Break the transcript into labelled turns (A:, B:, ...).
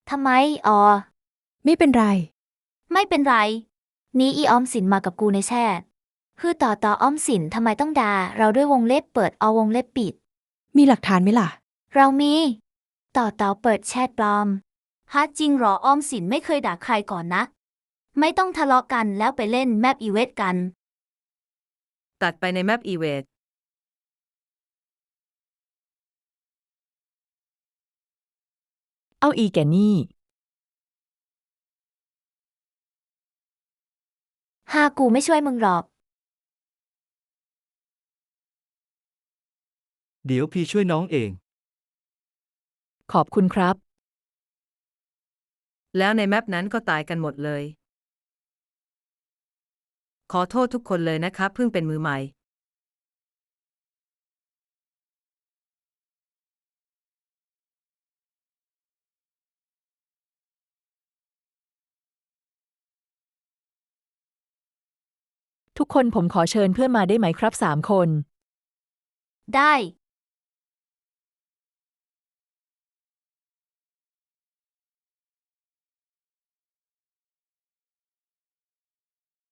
A: ทำไม
B: ไม่เป็นไร
A: ไม่เป็นไร นี้อีออมสินมากับกูในแชทคือต่อออมสินทำไมต้องด่าเราด้วยวงเล็บเปิดเอาวงเล็บปิด
B: มีหลักฐานไหมล่ะ
A: เรามีต่อเปิดแชทปลอมฮะจริงเหรอออมสินไม่เคยด่าใครก่อนนะ ไม่ต้องทะเลาะกันแล้วไปเล่นแมปอีเวทกัน
C: ตัดไปในแมปอีเวท
B: เอาอีแกนี่
A: กูไม่ช่วยมึงหรอก
D: เดี๋ยวพี่ช่วยน้องเอง
B: ขอบคุณครับ
C: แล้วในแมปนั้นก็ตายกันหมดเลย ขอโทษทุกคนเลยนะครับเพิ่งเป็นมือใหม่
B: ทุกคนผมขอเชิญเพื่อนมาได้ไหมครับ3 คน
A: ได้